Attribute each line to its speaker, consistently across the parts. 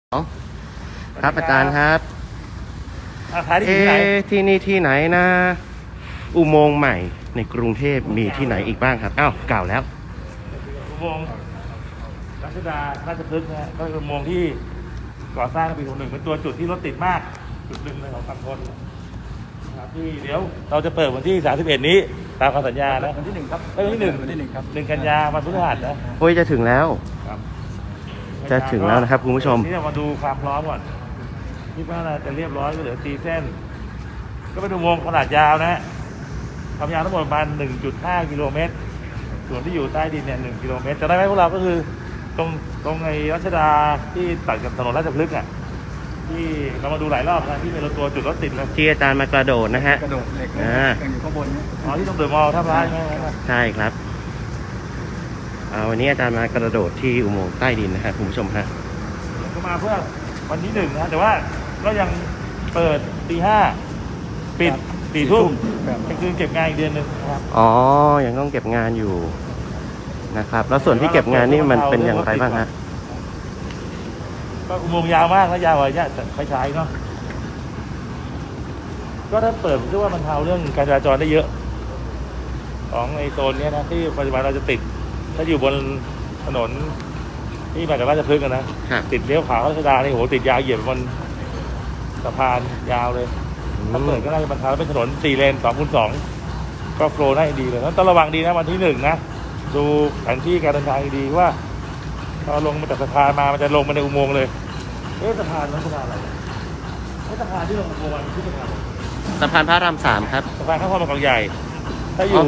Speaker 1: ครับอาจารย์ครับที่นี่ที่ไหนนะอุโมงค์ใหม่ในกรุงเทพมีที่ไหนอีกบ้างครับอ้าวกล่าวแล้ว
Speaker 2: อุโมงค์รัชดาราชพฤกษ์นะก็เป็นอุโมงค์ที่ก่อสร้างในปี61เป็นตัวจุดที่รถติดมากจุดหนึ่งในของฝั่งทนนะครับที่เดี๋ยวเราจะเปิดวันที่31นี้ตามคำสัญญานะ
Speaker 3: วันที่1ครับ
Speaker 2: วันที่1ครับ1 กันยาวันพฤหัสนะ
Speaker 1: โอ้ยจะถึงแล้ว
Speaker 2: ครับ
Speaker 1: จะถึงแล้วนะครับคุณผู้ชม
Speaker 2: นี่เรามาดูความพร้อมก่อนคิดว่าจะเรียบร้อยก็เหลือตีเส้นก็เป็นอุโมงค์ขนาดยาวนะความยาวทั้งหมดประมาณ 1.5 กิโลเมตรส่วนที่อยู่ใต้ดินเนี่ย1 กิโลเมตรจะได้ไหมพวกเราก็คือตรงในรัชดาที่ตัดกับถนนราชพฤกษ์อ่ะที่เรามาดูหลายรอบนะที่เป็นตัวจุดรถติดเลย
Speaker 1: ที่อาจารย์มากระโดดนะฮะ
Speaker 3: กระโดดเหล็กยังอยู่ข้างบน
Speaker 2: อ๋อที่ตรงเดอะมอลล์ท่าพระใช่ไหม
Speaker 1: ใช่ครับวันนี้อาจารย์มากระโดดที่อุโมงค์ใต้ดินนะครับคุณผู้ชมฮะ
Speaker 2: ก็มาเพื่อวันที่1นะแต่ว่าก็ยังเปิดตี 5ปิด4 ทุ่มคือเก็บงานอีกเดือนนึงนะครับ
Speaker 1: อ๋อยังต้องเก็บงานอยู่นะครับแล้วส่วนที่เก็บงานนี่มันเป็นอย่างไรบ้างฮะ
Speaker 2: ก็อุโมงค์ยาวมากนะยาวกว่าเนี่ยไฟฉายเนาะก็ถ้าเปิดผมคิดว่ามันเทาเรื่องการจราจรได้เยอะของในโซนนี้นะที่ปัจจุบันเราจะติดถ้าอยู่บนถนนที่มาจากราชพฤกษ์นะติดเลี้ยวขวาเข้ารัชดานี่โหติดยาวเหยียบบนสะพานยาวเลยถ้าเปิดก็น่าจะบรรเทาเป็นถนน4 เลน 2x2ก็โฟล์ได้ดีเลยต้องระวังดีนะวันที่1นะดูแผนที่การเดินทางดีว่าพอลงมาจากสะพานมามันจะลงมาในอุโมงค์เลยสะพานนั้นสะพานอะไรสะพานที่ลงอุโมงค์มันคือ
Speaker 1: สะพานพระราม3ครับ
Speaker 2: สะพานข้ามคลองบางใหญ่ถ้าอยู่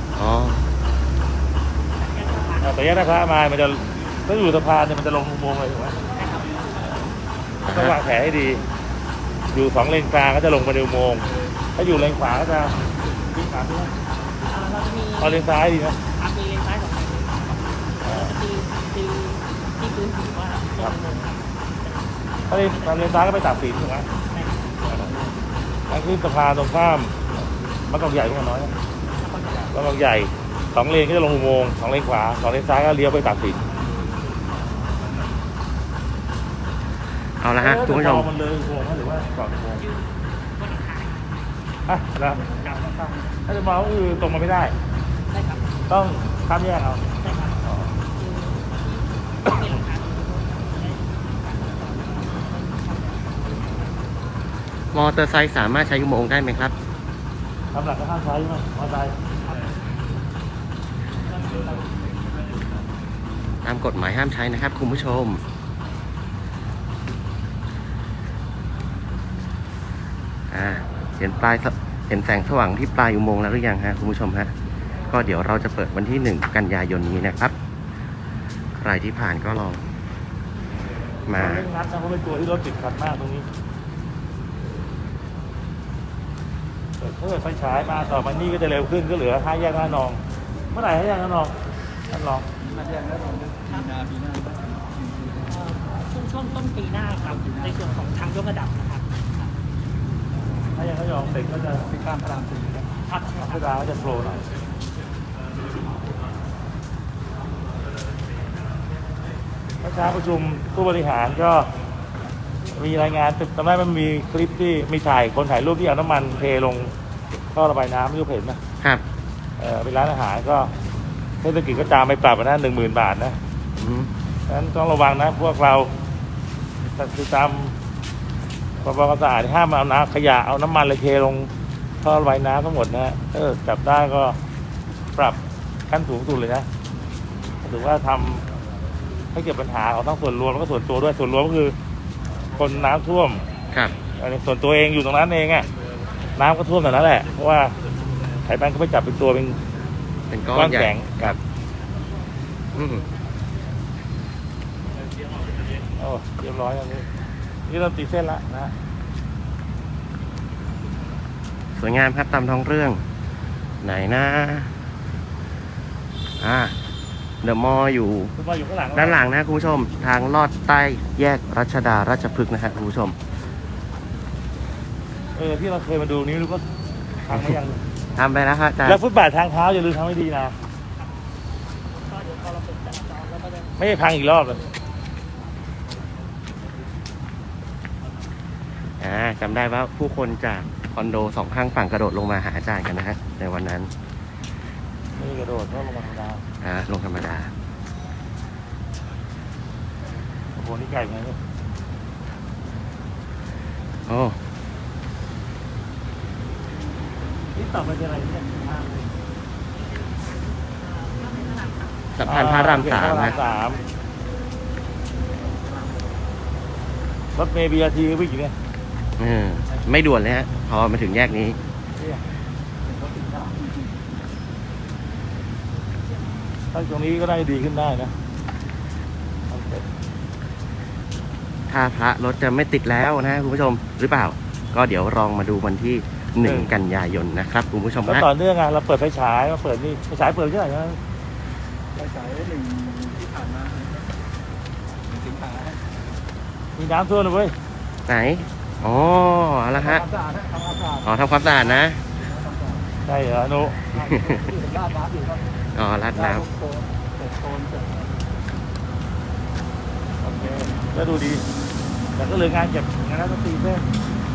Speaker 2: แต่แยกพระมามันจะถ้าอยู่สะพานเนี่ยมันจะลงอุโมงค์เลยถูกไหมต้องวางแผนให้ดีอยู่2 เลนกลางก็จะลงมาในอุโมงค์ถ้าอยู่เลนขวาก็จะวิ่งตามที่นั่นเอาเลนซ้ายดีนะ
Speaker 4: มีเลนซ้าย2 เลนตีที่พื้นผิวว่า
Speaker 2: ถ้าเลนซ้ายก็ไปตัดสินถูกไหมทางขึ้นสะพานตรงข้ามมันก็ใหญ่กว่าน้อยนะมันก็ใหญ่2 เลนก็จะลงอุโมงค์2 เลนขวา2 เลนซ้ายก็เลี้ยวไปตัดสิน
Speaker 1: เอาละฮะคุณผู้ชม
Speaker 2: มันเลยอุโมงค์หรือว่าก่อนอุโมงค์แล้วถ้าจะมองก็คือตรงมาไม่ได้ต้องข้ามแยกเอา
Speaker 1: มอเตอร์ไซค์สามารถใช้อุโมงค์ได้ไหมครับ
Speaker 2: ทำหลักก็ห้ามใช้ไหมมอเตอร์ไซค์
Speaker 1: ตามกฎหมายห้ามใช้นะครับคุณผู้ชมเห็นแสงสว่างที่ปลายอุโมงค์แล้วหรือยังฮะคุณผู้ชมฮะก็เดี๋ยวเราจะเปิดวันที่1 กันยายนนี้นะครับใครที่ผ่านก็ลองมา
Speaker 2: นัดนะเพราะเป็นตัวที่รถติดขัดมากตรงนี้ถ้าเกิดไฟฉายมาต่อมานี่ก็จะเร็วขึ้นก็เหลือ5 แยก 5 นองเมื่อไหร่5 แยก 5 นองท่านรอง
Speaker 3: 5 แยก 5 นองปีหน้า
Speaker 4: ช่วงต้นปีหน้าครับในส่วนของทางยกระดับนะครับ
Speaker 2: ถ้ายังไม่ยอมเสร็จก็จะไปข้ามพระราม4ครับพระรามก็จะโผล่หน่อยเช้าประชุมผู้บริหารก็มีรายงานตอนแรกมันมีคลิปที่มีคนถ่ายรูปที่เอาน้ำมันเทลงท่อระบายน้ำไม่รู้เห็นไหม
Speaker 1: ครับ
Speaker 2: เป็นร้านอาหารก็เทศกิจก็ตามไปปรับนะ10,000 บาทนะฉะนั้นต้องระวังนะพวกเราคือตามความสะอาดห้ามเอาน้ำขยะเอาน้ำมันเลยเทลงท่อระบายน้ำทั้งหมดนะจับได้ก็ปรับขั้นสูงสุดเลยนะถือว่าทำให้เกิดปัญหาของทั้งส่วนรวมแล้วก็ส่วนตัวด้วยส่วนรวมก็คือคนน้ำท่วม
Speaker 1: ครับ
Speaker 2: ส่วนตัวเองอยู่ตรงนั้นเองอ่ะน้ำก็ท่วมแต่นั้นแหละเพราะว่าไถแบงก็ไม่จับเป็นตัว
Speaker 1: เป็นก้อนใหญ่
Speaker 2: แข็งครับเรียบร้อยแล้วนี่เราตีเส้นละนะ
Speaker 1: สวยงามครับตามท้องเรื่องไหนนะเดอะมอลล์อยู่ด้านหลังนะคุณผู้ชมทางลอดใต้แยกรัชดาราชพฤกษ์นะฮะคุณผู้ชม
Speaker 2: ที่เราเคยมาดูนี้รู้ก็ทำไปยัง
Speaker 1: ทำไปแล้วครับ
Speaker 2: แล้วฟุตบาททางเท้าอย่าลืมทำให้ดีนะไม่ให้พังอีกรอบเลย
Speaker 1: จำได้ว่าผู้คนจากคอนโดสองข้างฝั่งกระโดดลงมาหาอาจารย์กันนะฮะในวันนั้น
Speaker 2: ไม่ได้กระโดดเพราะลงมาธรรมดา
Speaker 1: ลงธรรมดา
Speaker 2: โอ้โหนี่ไก่ไงเนี่ย
Speaker 1: โอ้
Speaker 2: นี่ต่อไปจะอะไรเนี่ย
Speaker 1: สะพานพระรามสาม
Speaker 2: พระ
Speaker 1: นะ
Speaker 2: รถเมล์ BRT วิ่งอยู่เนี่ย
Speaker 1: ไม่ด่วนเลยฮะ พอมาถึงแยกนี้
Speaker 2: ถ้าตรงนี้ก็ได้ดีขึ้นได้นะ
Speaker 1: ถ้าพระรถจะไม่ติดแล้วนะคุณผู้ชมหรือเปล่า ก็เดี๋ยวลองมาดูวันที่1 กันยายนนะครับคุณผู้ชม
Speaker 2: แล้ว
Speaker 1: นะ
Speaker 2: ต่อเนื่องเราเปิดไฟฉายมาเปิดนี่ไฟฉายเปิดเท่าไหร่นะ
Speaker 3: ไปฉาย1ที่ผ่านมาสิงหา
Speaker 2: มีน้ำท่วมเลยเว้ย
Speaker 1: ไหน อ๋อเอาละฮะ
Speaker 3: ทำความสะอาดทำความสะอาด
Speaker 1: อ๋อทำความสะอาดนะ
Speaker 2: ใช่เหรอนุ
Speaker 3: ที่เป็นลาดน้ำอยู่ครับ
Speaker 1: อ๋อราดน้
Speaker 3: โคนเสร็จโคนเสร็จ
Speaker 2: โอเคก็ดูดี แต่ก็เหลืองานเก็บงานนักดนตรีเพิ่ม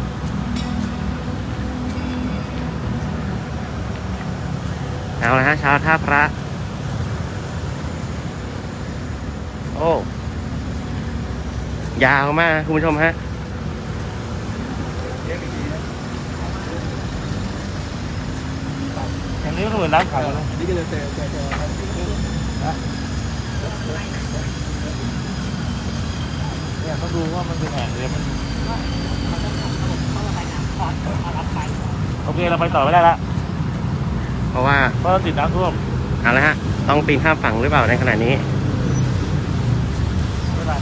Speaker 1: ำเอาละฮะเช้าท่าพระ โอ้ยาวมากคุณผู้ชมฮะ
Speaker 2: อย่างนี้ก็เหมือนน้ำขังนะ
Speaker 3: นี่ก็จะเจอ
Speaker 2: เนี่ยเขาดูว่ามันเป็นแห่งเลยมันโอเคเราไปต่อไม่ได้ละ
Speaker 1: เพราะว่า
Speaker 2: เพราะเราติดน้ำท่วม
Speaker 1: เอาละฮะต้องปีนข้ามฝั่งหรือเปล่าในขณะนี้
Speaker 2: ไม่เป็นไร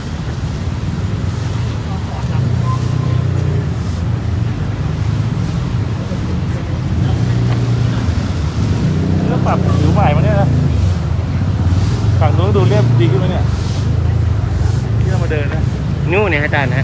Speaker 2: เรื่องปรับผิวใหม่มาเนี่ยนะฝั่งนู้นดูเรียบดีขึ้นไหมเนี่ยที่เรามาเดินนะ
Speaker 1: นู่นเนี่ยอาจารย์ฮะ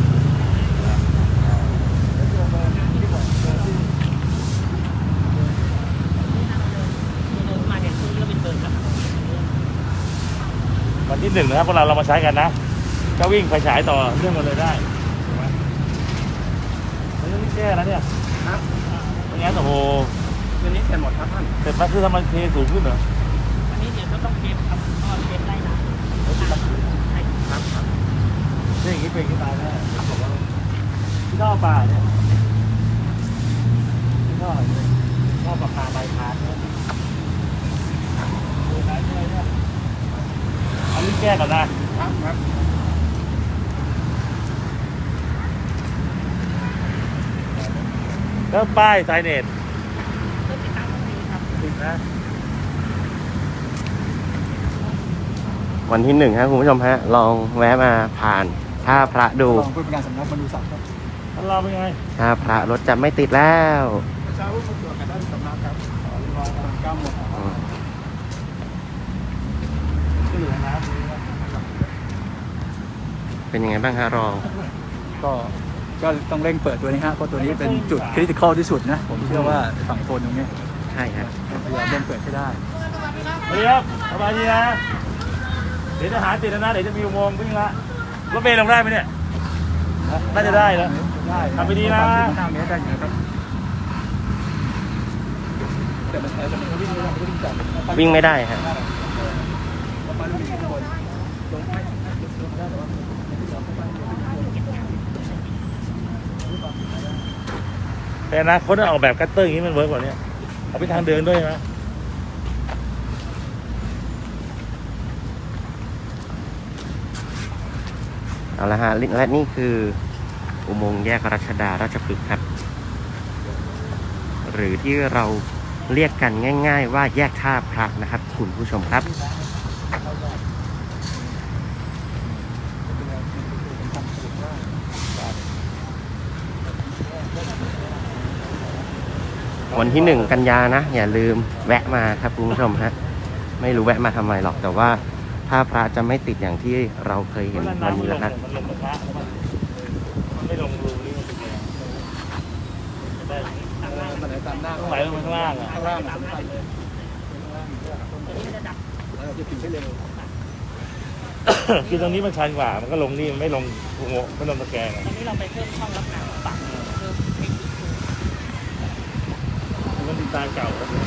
Speaker 2: วันที่ 1นะครับพวกเรามาใช้กันนะก็วิ่งไฟฉายต่อเรื่องมาเลยได้ถูกไหมแล้วนี่แก้แล้วเนี่ย
Speaker 3: ครับ
Speaker 2: ไม่งั้นโอ้โห
Speaker 3: วันนี้เสร็จหมดครับท่าน
Speaker 2: เสร็จมาคือทำมันเทสูงขึ้นเหรอ
Speaker 4: อันนี้เดี๋ยวจะต้องเก็บครับก็เก็บไล่น้ำใช่
Speaker 3: ครับ
Speaker 2: นี่อย่างนี้เป็นขึ้นตายแน่ครับผมว่าที่ท่อป่าเนี่ยที่ท่ออะไรเนี่ยท่อปลาปลาใบพาดเนี่ยดูไหนด้วยเนี่ยเอาลิ้นแก้ก่อนนะครับ
Speaker 3: ครับ
Speaker 2: แล้วป้ายไซเนต
Speaker 4: ก็ติดตามตรงนี้ครับ
Speaker 2: ติดนะ
Speaker 1: วันที่1ฮะคุณผู้ชมฮะ ลองแวะมาผ่านท่าพระดู
Speaker 3: ลองผู้เป็นการสำนักบรรลุศักดิ์ครับ
Speaker 2: แล้วเราเป็นไง
Speaker 1: ท่าพระรถจะไม่ติดแล้ว
Speaker 3: เช้าผู้ตรวจกันได้ที่สำนักครับรอตอน9 โมง
Speaker 2: ก็เหลือน้ำนี่นะ
Speaker 1: เป็นยังไงบ้างฮะรอง
Speaker 3: ก็ต้องเร่งเปิดตัวนี้ฮะเพราะตัวนี้เป็นจุดคริติคอลที่สุดนะผมเชื่อว่าฝั่งโซนตรงนี้
Speaker 1: ใช่ฮะ
Speaker 3: พยายามเร่งเปิดให้ได้
Speaker 2: สวัสดีครับสบายดีนะเดี๋ยวจะหาติดแล้วนะเดี๋ยวจะมีอุโมงค์วิ่งละรถเมล์ลงได้ไหมเนี่ยน่าจะได้แล้ว
Speaker 3: ได้
Speaker 2: ทำไปดีนะ
Speaker 3: 5 เมตรได้อยู่นะครับแต่มันวิ่งไม่ได้มันวิ่งจาก
Speaker 1: วิ่งไม่ได้ฮะ
Speaker 3: ประมาณ1 กิโลลงไม่ได้แต่ว่า
Speaker 2: แต่อนะคนออกแบบกัตเตอร์อย่างนี้มันเวิร์กกว่านี้เอาไปทางเดินด้วยนะ
Speaker 1: เอาละฮะและนี่คืออุโมงค์แยกรัชดาราชพฤกษ์ครับ หรือที่เราเรียกกันง่าย ๆ ว่าแยกท่าพระนะครับคุณผู้ชมครับ วันที่1 กันยานะอย่าลืมแวะมาครับคุณผู้ชมฮะไม่รู้แวะมาทำไมหรอกแต่ว่าถ้าพระจะไม่ติดอย่างที่เราเคยเห็นวันนี้แล้วนะ
Speaker 2: มันลงกระทะมันไม่ลงรูนี่มันเป็นไงได้
Speaker 3: มันไหลตามหน้า
Speaker 2: ต้องไหลลงไปข้างล่างอ่ะ
Speaker 3: ข้างล่างสำคัญเลย
Speaker 4: ตัวนี้จะดับ
Speaker 3: เราจะถึงให้เร็ว
Speaker 2: คือตรงนี้มันชันกว่ามันก็ลงนี่มันไม่ลงอุโมงค์ไม่ลงตะแกรงอะ
Speaker 4: ตอนนี้เราไปเพิ่มช่องรับน้ำปรับเพิ่ม
Speaker 2: ทรายเก่าแล้ว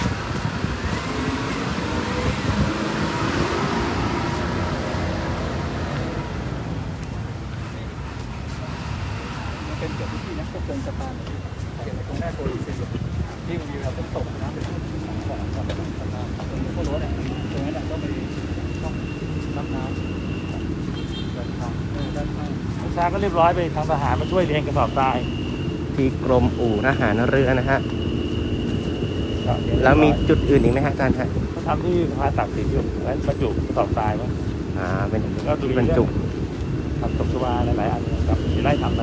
Speaker 3: เป็นจุดที่นะพวกเกินสะพานเก็บตรงหน้าโกลีซีที่มันมีเราต้องตกน้ำเป็นของสะพานตรงนี้ก็รู้แหละตรงนั้นก็มีต้องรับน้ำด้านข้างด้านข้าง
Speaker 2: ประชาก็เรียบร้อยไปทางทหารมาช่วยเรียงกระสอบทราย
Speaker 1: ที่กรมอู่ทหารเรือนะฮะแล้วมีจุดอื่นอีกไหมฮะอาจารย์ฮะ
Speaker 2: เขาทำที่สะพานตากสินอยู่แล้วบรรจุกระสอบทรายมั้ง
Speaker 1: เป็น
Speaker 2: ก็ดู
Speaker 1: ที่บรรจุ
Speaker 2: ทำตกชวาหลายๆอันครับมีไล่ทำไป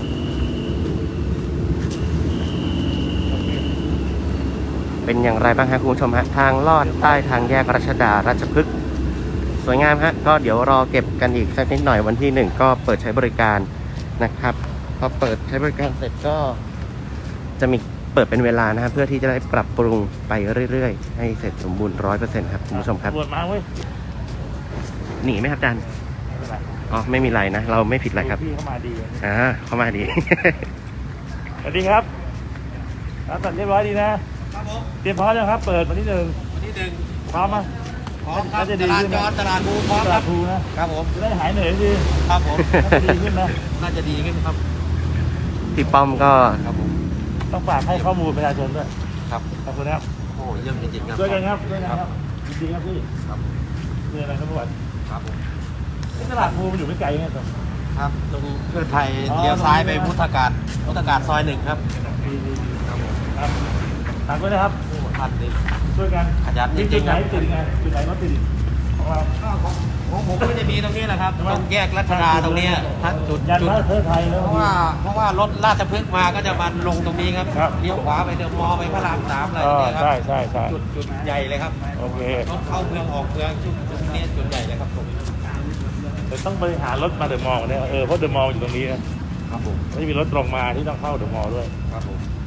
Speaker 1: เป็นอย่างไรบ้างฮะคุณผู้ชมฮะทางลอดใต้ทางแยกรัชดาราชพฤกษ์สวยงามฮะก็เดี๋ยวรอเก็บกันอีกสักนิดหน่อยวันที่1ก็เปิดใช้บริการนะครับพอเปิดใช้บริการเสร็จก็จะมีเปิดเป็นเวลานะฮะเพื่อที่จะได้ปรับปรุงไปเรื่อยๆให้เสร็จสมบูรณ์ 100% ครับคุณผู้ชมครับ
Speaker 2: ตำรวจมาเว้ย
Speaker 1: หนีไหมครับอาจารย์
Speaker 2: ไม่เป็นไร
Speaker 1: อ๋อไม่มีไรนะ เราไม่ผิดอะไรครับ
Speaker 2: พี่เข้ามาดี
Speaker 1: เข้ามาดี
Speaker 2: สวัสดีครับรับสัญเรียบร้อยดีนะครับ
Speaker 5: ผม
Speaker 2: เตรียมพร้อมยังครับ เปิดวันที่
Speaker 5: วันที่
Speaker 2: พร้อมไหม
Speaker 5: พร้อมครับ
Speaker 2: น่าจะดี
Speaker 5: ตลาด
Speaker 2: ขึ้น
Speaker 5: จ
Speaker 2: นะ
Speaker 5: อดตลาดภูพร้อม
Speaker 2: ต
Speaker 5: ค
Speaker 2: ลา
Speaker 5: รั
Speaker 2: ด
Speaker 5: บ
Speaker 2: ภูนะครับ
Speaker 5: ผม
Speaker 2: จะได้หายเหนื่อยดี
Speaker 5: ครับผม
Speaker 2: น่าจะดีขึ้นนะ
Speaker 5: น่าจะดีขึ้นครับ
Speaker 1: พี่ป้อมก็
Speaker 5: ครับผม
Speaker 2: ต้องฝากให้ข้อมูลประชาชนด้วย
Speaker 5: ครับ
Speaker 2: ขอบคุณครับ
Speaker 5: โอ้เยี่ยมจริงๆครับ
Speaker 2: ช่วยกันครับช่วยกันครับยินดีครับพี่
Speaker 5: ครับ
Speaker 2: มีอะไรครับทุกวัน
Speaker 5: ครับผม
Speaker 2: ตลาดภูมันอยู่ไม่ไกลไงครับ
Speaker 5: ครับตรงเพื่อไทยเลี้ยวซ้ายไปพุทธการซอย1ครับ ครับผม
Speaker 2: ครับตามด้วยนะครับ
Speaker 5: พันดี
Speaker 2: ช่วยกัน
Speaker 5: ขยันจริงๆ
Speaker 2: จุดไหน
Speaker 5: ครับ
Speaker 2: ติดไงจุดไหนรถติดของเรา
Speaker 5: ของผมก็จะมีตรงนี้แหละครับตรงแยกรัชดาตรงเนี้ยถ้าจุด
Speaker 2: ยันพระเทอไทยแล้ว
Speaker 5: เพราะว่ารถราชพฤกษ์มาก็จะมาลงตรงนี้ครับ
Speaker 2: ครับ
Speaker 5: เลี้ยวขวาไปเดอะมอลล์ไปพระราม3อะไร
Speaker 2: อ๋อ
Speaker 5: เนี่ยครั
Speaker 2: ใช่ใช่ใช่
Speaker 5: จุดใหญ่เลยครับ
Speaker 2: โอเค
Speaker 5: รถเข้าเมืองออกเมืองจุดนี้จุดใหญ่เลยครับผม
Speaker 2: แต่ต้องบริหารรถมาเดอะมอลล์เนี่ยเพราะเดอะมอลล์อยู่ตรงนี้นะครับ
Speaker 5: ผม
Speaker 2: ไม่มีรถตรงมาที่ต้องเข้าเดอะมอลล์ด้วย
Speaker 5: ครับผม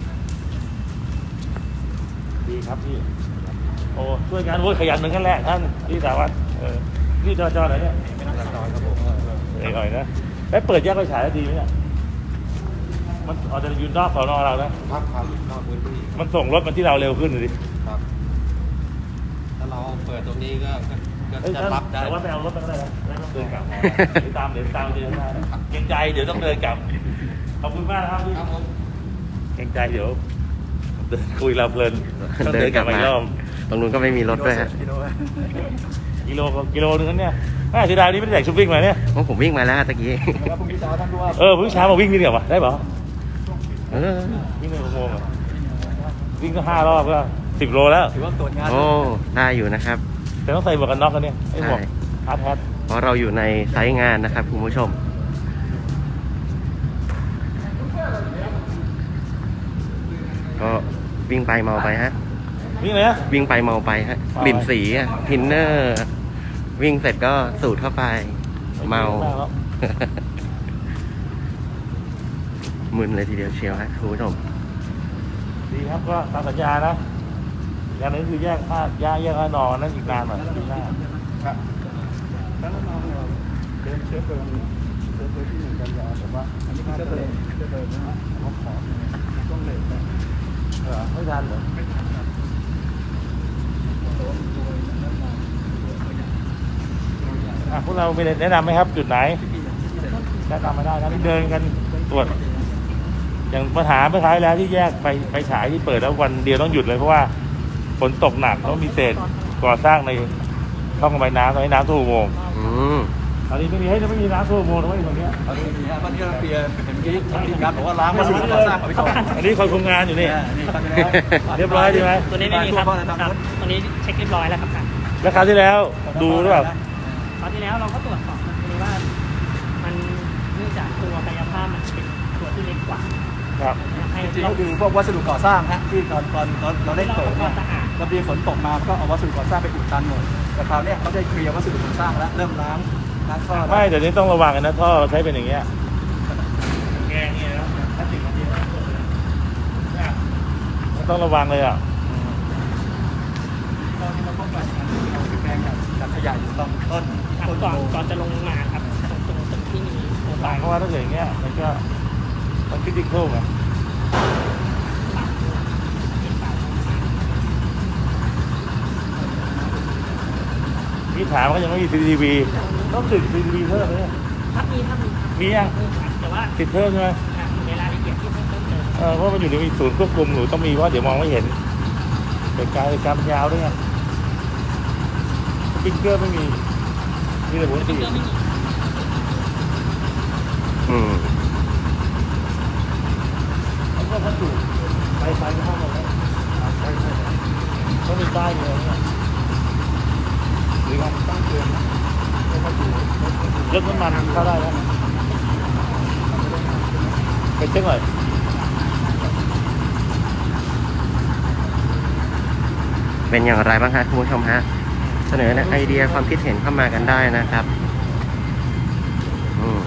Speaker 2: ดีครับพี่โอ้ช่วยกันโว้ยขยันเหมือนกันแหละท่านพี่สาวัตรพี่จอไหนเนี่ย
Speaker 5: ครับผม
Speaker 2: เอกหน่อยนะแล้วเปิดแยกไฟฉายแล้วดีไหมเนี่ยมันอาจจะยืนนอกสอนอเรานะครับ
Speaker 5: ครับนอกพื้นที่
Speaker 2: มันส่งรถมาที่เราเร็วขึ้นเลยดิ
Speaker 5: ครับถ้าเราเปิดตรงนี้ก็
Speaker 2: เอ้ย
Speaker 5: จะ
Speaker 2: ท่าน
Speaker 5: รับได้
Speaker 2: แต่ว่าไปเอารถมาก็ได้นะไม่ต้องเดินกลับเดี๋ยวตามเดินข้างหน้านะเกรงใจเดี๋ยวต้องเดินกลับขอบคุณมากนะครับพี่
Speaker 5: ครับผม
Speaker 2: เกรงใจเดี๋ยวเดินคุยเราเพลินต้องเดินกลับมาอีกรอบ
Speaker 1: ตรงนู้นก็ไม่มีรถด้วยฮะ
Speaker 2: กิโลนึงนั้นเนี่ยเสียดายนี่ไม่ได้ใส่ชุดวิ่งมาเนี่ย
Speaker 1: เพราะผมวิ่งมาแล้วตะกี้
Speaker 3: แล้วพรุ่งนี้เช้าท่านผู้ว่า
Speaker 2: พรุ่งนี้เช้ามาวิ่งนี่เดี๋ยววะได้เปล่า
Speaker 1: เออ
Speaker 2: วิ่งในอุโมงค์อะวิ่งก็5 รอบก็10 โลแล้ว
Speaker 3: ถือว่าตรวจงาน
Speaker 1: โอ้ได้อยู่นะครับ
Speaker 2: แต่ต้องใส่หมวกกันน็อกกันเนี่ยไอ้หมวก
Speaker 1: ใช่
Speaker 2: ฮาร์ดแฮท
Speaker 1: เพราะเราอยู่ในไซต์งานนะครับคุณผู้ชม ก็วิ่งไปเมาไปฮะ
Speaker 2: วิ่งเลยนะ
Speaker 1: วิ่งไปเมาไปฮะ
Speaker 2: เมาไป
Speaker 1: กลิ่นสีอะทินเนอร์ วิ่งเสร็จก็สูดเข้าไป เมา
Speaker 2: แล้ว
Speaker 1: มึนเลยทีเดียวเชียวฮะคุณผู้ชม
Speaker 2: ดีครับก็ตามสัญญานะอย่างนึงคือแยกท่านอนนั่นอีกนานหน่อยปีหน้า
Speaker 3: ครับแล้วน้องเราเป็นเชื้อเพลิงที่1 กันยาแต่ว่าอันนี้เชื้อเพลิงนะฮะเขาขอต้องเลทนะ
Speaker 2: ไม่ทันเหรอพวกเรามีแนะนำไหมครับ จุดไหนแนะนำมาได้นะที่เดินกันตรวจ อย่างปัญหาเมื่อครั้งที่แล้วที่แยกไฟฉายที่เปิดแล้ววันเดียวต้องหยุดเลยเพราะว่าฝนตกหนักแล้วมีเศษก่อสร้างในช่องระบายน้ำตอนนี้น้ำท่วมอุโมงค์
Speaker 1: อืม
Speaker 2: ตอนนี้ไม่มีน้ำท่วมอุโมงค์นะเว้ยตรงเนี้ย
Speaker 3: ตอนนี้มีฮะตอนนี้เราเปลี่ยนเห็นที่การบอกว่าล้างวัสดุก่อสร้างเอาไปก่อน
Speaker 2: อันนี้คนคุมงานอยู่นี่
Speaker 3: นี่ทำไปแล้ว
Speaker 2: เรียบร้อยดีไหม
Speaker 4: ตัวนี้ไม่มีครับครับตัวนี้เช็คเรียบร้อยแล้วครับท่าน
Speaker 2: แล้วคราวที่แล้วดูหรือเปล่า
Speaker 4: คราวที่แล้วเราก็ตรวจสอบมันคือว่ามันเนื่องจากตัวกายภาพมันเป็นตัวที่เล็กกว่า
Speaker 2: ครับ
Speaker 4: ให้
Speaker 3: จริงๆก็คือพวกวัสดุก่อสร้างฮะที่ตอนเราได้เปิดเนี่ย
Speaker 4: สะอาด
Speaker 3: ระเบียงฝนตกมาก็เอาวัสดุก่อสร้างไปอุดตันหมดแต่คราวเนี้ยเขาได้เคลียร์วัสดุก่อสร้างแล้วเริ่มล้างท่อ
Speaker 2: ไม่แต่นี้ต้องระวังกันนะท่อเราใช้เป็นอย่างเงี้ยแกงเนี่ยนะถ้าติดมันเยอะเนี่ยต้องระวังเลยอ่ะ
Speaker 3: ตอนนี้เราก็ไปแปลงกับขยายอยู่ตรงต้น
Speaker 4: ครับก่อนจะลงมาครับตรงตึกที่มีโครง
Speaker 2: ต่า
Speaker 4: การ
Speaker 2: งเพราะว่าถ้าเกิดอย่างเงี้ยมันก็มันคริติคอลไงพี่ถามว่ายังไม่มี CCTV ต้องติด CCTV เพิ่มไหมเนี่ย
Speaker 4: ถ้ามีครับ
Speaker 2: มียัง
Speaker 4: ครับแต่ว่า
Speaker 2: ติดเพิ่มใช่ไหม
Speaker 4: อยู่ในรายละเอียดที่เพิ่มเติม
Speaker 2: เพราะมันอยู่ในศูนย์ควบคุมหนูต้องมีเพราะเดี๋ยวมองไม่เห็นเหตุการณ์มันยาวด้วยไงสปริงเกอร์ไม่มีมีแต่หัวฉีด
Speaker 1: อืม
Speaker 2: แล้วก็พัสดุไฟก็เข้ามาแล้วใช่ต้องมีป้ายเลยเนี่ยหรือการตั้งเตือนนะรถน้ำมันเข้าได้แล้วไปเช็คหน่อย
Speaker 1: เป็นอย่างไรบ้างฮะคุณผู้ชมฮะ เสนอไอเดียความคิดเห็นเข้ามากันได้นะครับ อืม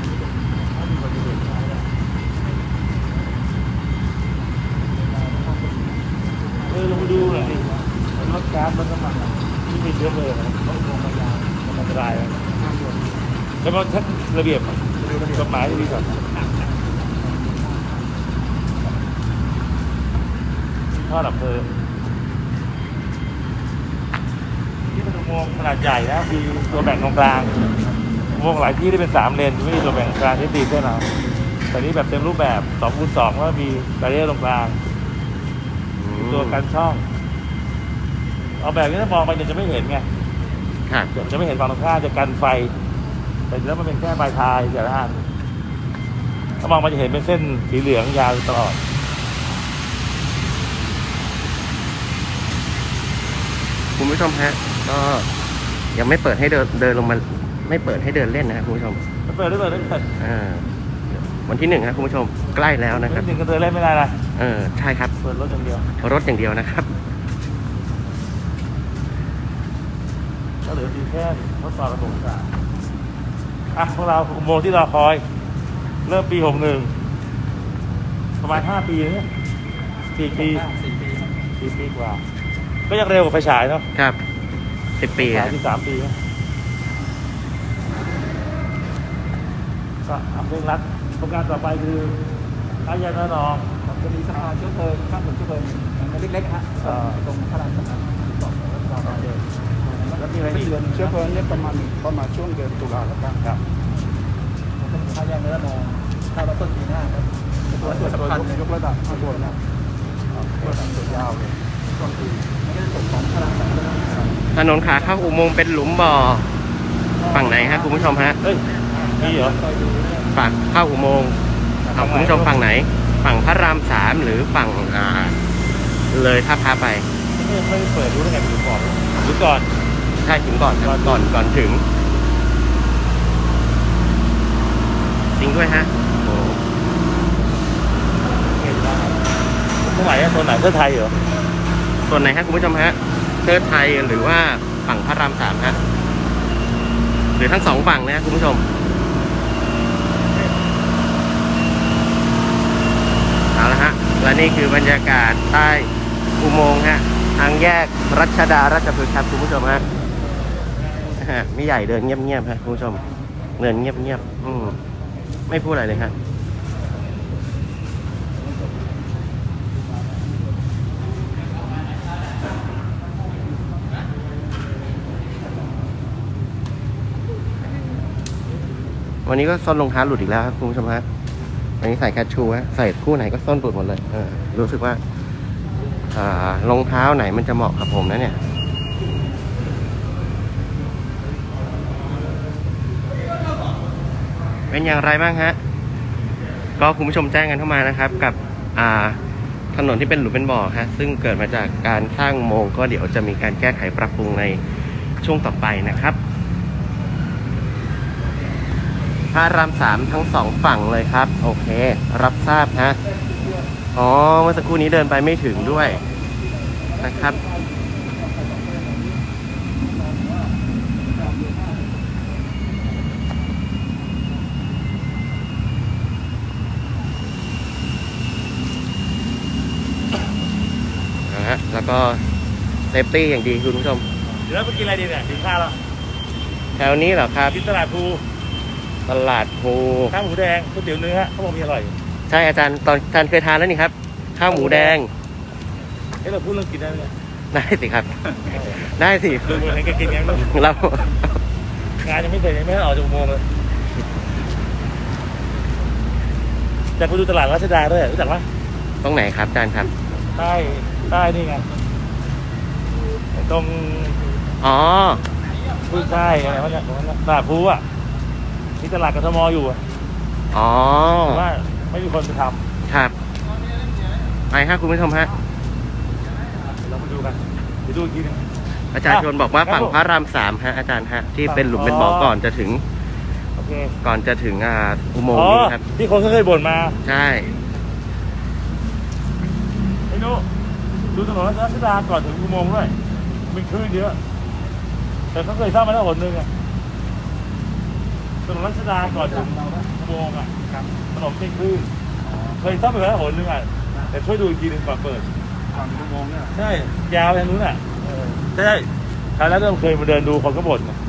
Speaker 2: ลงไปดูหน่อยดิรถก๊าซรถน้ำมันที่มีเชื้อเพลิงต้องลงมายาวมันอันตรายแล้วก็ชักระเบียบกฎหมายดีก่อนท่อดับเพลิงที่เป็นอุโมงค์ขนาดใหญ่นะมีตัวแบ่งตรงกลางอุโมงค์หลายที่ที่เป็น3 เลนไม่มีตัวแบ่งกลางที่ตีเส้นเอาแต่นี้แบบเต็มรูปแบบ2x2แล้วมีแบรีเออร์ตรงกลางตัวกันช่องเอาแบบนี้ถ้ามองไปเนี่ยจะไม่เห็นไง
Speaker 1: ครับ
Speaker 2: จะไม่เห็นฝั่งตรงข้ามจะกันไฟ แต่แล้วมันเป็นแค่ปลายทายแต่ละอันถ้ามองมันจะเห็นเป็นเส้นสีเหลืองยาวตลอด
Speaker 1: คุณผู้ชมฮะ ก็ยังไม่เปิดให้เดินลงมา ไม่เปิดให้เดินเล่นนะครับคุณผู้ชม
Speaker 2: เปิดได้
Speaker 1: วันที่1ครับคุณผู้ชม ใกล้แล้วนะครับ
Speaker 2: หนึ่งก็เดินเล่นไม่ได้นะ
Speaker 1: ใช่ครับ
Speaker 2: เปิดรถอย่างเดียว
Speaker 1: รถอย่างเดียวนะครับ
Speaker 2: ก็เหลือตีแค่ทดสอบระบบการพวกเราอุโมงค์ที่เราคอย เริ่มปี61ประมาณ5 ปีเนี่ย4 ปี 4 ปีกว่า ก็ยังเร็วกว่าไฟฉายเนาะ
Speaker 1: ครับ 10 ปี
Speaker 2: ฉา
Speaker 1: อะ
Speaker 2: ยที่3 ปีนะก็ทำเร่งรัดโครงการต่อไปคืออาญาณนอง
Speaker 3: จะมีสะพานเชื้อเพลิงข้ามถนนเชื้อเพลิงมันเล็กๆฮะตรงพระรามสามสองแล้วมีอะไรอีก
Speaker 2: เดือน
Speaker 3: เชื้อเพลิงเนี่ยประมาณช่วงเดือนตุลาคมครับเป็นพายางเนื้อมองถ้าเราต้นปีหน้าครับตัวสำคัญยกระดับตัวนะตัวระดับตัวยาวเลยต้นปีมันก็จะส่งของพระรามสาม
Speaker 1: ถนนขาเข้าอุโมงค์เป็นหลุมบ่อ ฝั่งไหนฮะคุณผู้ชมฮะ
Speaker 2: เฮ้ยมีเหรอ
Speaker 1: ฝั่งเข้าอุโมงค์เอาคุณผู้ชมฝั่งไหน ฝั่งพระราม 3หรือฝั่งเลยท่าพระไป
Speaker 2: ไม่ได้เปิดรู้ได้ไงถึงบอกหรือก่อน
Speaker 1: ใช่ถึงก่อนครับก่อนถึง จริงด้วยฮะโอ้
Speaker 2: เห็นว่าตรงไหนอะโซนไหนเพื่อไทยเหรอ
Speaker 1: ส่วนไหนฮะคุณผู้ชมฮะเทิดไทยหรือว่าฝั่งพระราม 3ฮะหรือทั้งสองฝั่งนะคุณผู้ชมเอาละฮะและนี่คือบรรยากาศใต้อุโมงค์ฮะทางแยกรัชดาราชพฤกษ์ครับคุณผู้ชมฮะไม่ใหญ่เดินเงียบๆฮะคุณผู้ชมเดินเงียบๆไม่พูดอะไรเลยฮะวันนี้ก็ส้นรองเท้าหลุดอีกแล้วครับคุณผู้ชมฮะวันนี้ใส่แคชชูฮะใส่คู่ไหนก็ส้นหลุดหมดเลยรู้สึกว่ารองเท้าไหนมันจะเหมาะกับผมนะเนี่ยเป็นอย่างไรบ้างฮะก็คุณผู้ชมแจ้งกันเข้ามานะครับกับถนนที่เป็นหลุมเป็นบ่อฮะซึ่งเกิดมาจากการสร้างอุโมงค์ก็เดี๋ยวจะมีการแก้ไขปรับปรุงในช่วงต่อไปนะครับพระราม 3ทั้ง2ฝั่งเลยครับโอเครับทราบฮะเมื่อสักครู่นี้เดินไปไม่ถึงด้วยนะครับแล้วก็เซฟตี้อย่างดีคุณผู้ชม
Speaker 2: เดี๋ยวเราไปกินอะไรดีเนี่ยกินข้าวแล้ว
Speaker 1: แถวนี้เหรอครับ
Speaker 2: กินตลาดภู
Speaker 1: ตลาดภู
Speaker 2: ข้าวหมูแดงก๋วยเตี๋ยวเนื้อเขาบอกมีอร่อย
Speaker 1: ใช่อาจารย์ตอนอาจารย์เคยทานแล้วนี่ครับข้าวหมูแดง
Speaker 2: เราพูดเรื่องกินได้ไหมเนี่ย
Speaker 1: ได้สิครับ ได้สิ
Speaker 2: ดูมือเห็นแกกินยังลูก
Speaker 1: เรา
Speaker 2: งานยังไม่เสร็จยังไม่ได้ออกจากอุโมงค์เลยจะไปดูตลาดรัชดาด้วยรู้จักไหม
Speaker 1: ตรงไหนครับอาจารย์ครับ
Speaker 2: ใต้นี่ไงตรง
Speaker 1: อ๋อ
Speaker 2: พูดใต้อะไรวะเนี่ยตรงนั้นน่ะตลาดพลูอ่ะมีตลาดกทมอยู่อะ
Speaker 1: อ๋อ
Speaker 2: แต่ว่าไม่มีคนไปท
Speaker 1: ครับไปครับคุณผู้ชมฮะ
Speaker 2: ำเราไปดูกันไปดูอีกทีหนึง
Speaker 1: อาจารย์ชวนบอกว่า
Speaker 2: ครับ
Speaker 1: ฝั่ง
Speaker 2: ผม
Speaker 1: พระรามสามฮะอาจารย์ฮะที่เป็นหลุมเป็นบ่อก่อนจะถึง
Speaker 2: โอเค
Speaker 1: ก่อนจะถึงอุโมง
Speaker 2: อ๋
Speaker 1: ค์
Speaker 2: อ
Speaker 1: นี้ครับ
Speaker 2: ที่คนเขาเคยบ่นมา
Speaker 1: ใช่
Speaker 2: ไอ้นุดูถนนรัชดาก่อนถึงอุโมงค์ด้วยมีคลื่นเยอะแต่เขาเคยสร้างมาแล้วหนนึงอะถนนรัชดาก่อนถึงอุโมงค์อะถนนเป็นคลื่นเคยสร้างไปแล้วหนนึงอะแต่ช่วยดูอีกทีหนึงก่อนเปิด
Speaker 3: ฝั่งอุโมงค์เนี่ย
Speaker 2: ใช่ยาวไปทางนู้นอ่ะใช่คราวแล้วเราเคยมาเดินดูคนก็บ่นนะ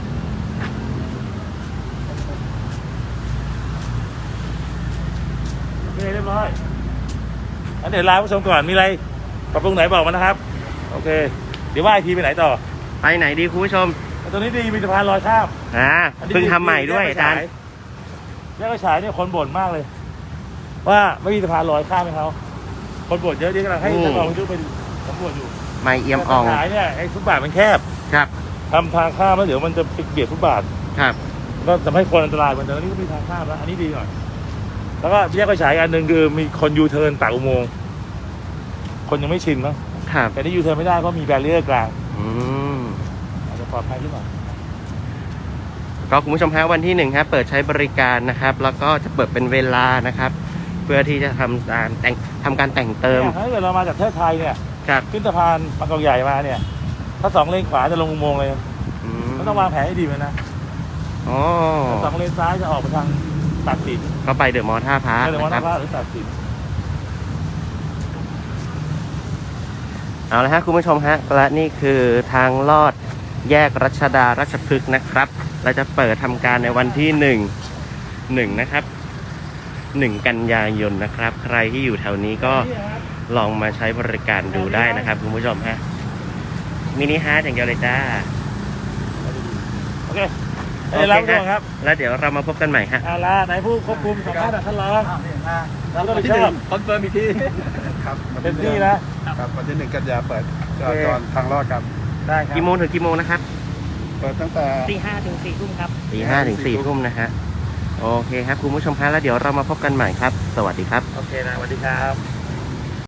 Speaker 2: โอเคเรียบร้อยอันเดี๋ยวลาผู้ชมก่อนมีอะไรปรับปรุงไหนบอกมานะครับโอเคเดี๋ยวว่าไอทีไปไหนต่อ
Speaker 1: ไปไหนดีคุณผู้ชม
Speaker 2: ตัวนี้ดีมีสะพานลอยข้าม
Speaker 1: เพิ่งทำใหม่ด้วยอาจารย์
Speaker 2: แยกกระฉายเนี่ยคนบ่นมากเลย ว่าไม่มีสะพานลอยข้ามให้เขาคนบ่นเยอะเดี๋ยวกำลังให้ท่านรองวิศนุไปสำรวจอยู่
Speaker 1: ไม่เอี่ยมอ่อง
Speaker 2: แต่ปัญหาเนี่ยไอ้ฟุตบาทมันแคบ
Speaker 1: ครับ
Speaker 2: ทำทางข้ามแล้วเดี๋ยวมันจะไปเบียดฟุตบาท
Speaker 1: ครับ
Speaker 2: ก็ทำให้คนอันตรายเหมือนเดิมอันนี้ก็มีทางข้ามแล้วอันนี้ดีหน่อยแล้วก็แยกไฟฉายอันหนึ่งคือมีคนยูเทิร์นปากอุโมงค์คนยังไม่ชินมั้ง
Speaker 1: ครับ
Speaker 2: แต่นี่ยูเทิร์นไม่ได้เพราะมีแบรียร์กลาง
Speaker 1: อืม
Speaker 2: อาจจะปลอดภัยขึ้นหน่อย
Speaker 1: ก็คุณผู้ชมฮะวันที่หนึ่งครับเปิดใช้บริการนะครับ แล้วก็จะเปิดเป็นเวลานะครับ เพื่อที่จะทำการแต่งเติม
Speaker 2: เนี่ยถ้าเกิดเรามาจากประเทศไทยเนี่ย
Speaker 1: ครับ
Speaker 2: ขึ้นสะพานบางกอกใหญ่มาเนี่ย ถ้า2 เลนขวาจะลงอุโมงค์เลย
Speaker 1: อืม
Speaker 2: ก็ต้องวางแผนให้ดีเลยนะ
Speaker 1: อ๋อ
Speaker 2: ถ้า2 เลนซ้ายจะออกไปทางตากสิน
Speaker 1: ก็ไปเดอะมอลล์ท่าพระ
Speaker 2: เดี๋ยวมอ
Speaker 1: นะค
Speaker 2: นา
Speaker 1: รับ
Speaker 2: พาหรือตากสิน
Speaker 1: เอาละฮะคุณผู้ชมฮะและนี่คือทางลอดแยกรัชดาราชพฤกษ์นะครับเราจะเปิดทำการในวันที่1นะครับ1 กันยายนนะครับ ใครที่อยู่แถวนี้ก็ลองมาใช้บริการดูได้นะครับคุณผู้ชมฮะมินิฮาร์ทอย่างเดียวเลยจ้า
Speaker 2: โอเคได้รับตัวครับ
Speaker 1: แล้วเดี๋ยวเรามาพบกันใหม่ฮะ
Speaker 2: อาลาไหนผู้ควบคุมสัมภาษณ์ท่านรอง
Speaker 3: แล้วก็ที่หนึ่งคอนเฟิร์มอีกทีครับ
Speaker 2: เต็มที่นะ
Speaker 3: ครับวันที่1 กันยาเปิดจราจรทางลอดครับ
Speaker 2: ได้ครับ
Speaker 1: กี่โมงถึงกี่โมงนะครับ
Speaker 3: เปิดตั้งแต่
Speaker 4: ตี 5 ถึง 4 ทุ่มครับ
Speaker 1: ตี 5 ถึง 4 ทุ่มนะฮะโอเคครับคุณผู้ชมฮะแล้วเดี๋ยวเรามาพบกันใหม่ครับ สวัสดีครับ
Speaker 2: โอเคนะสวัสดีครับ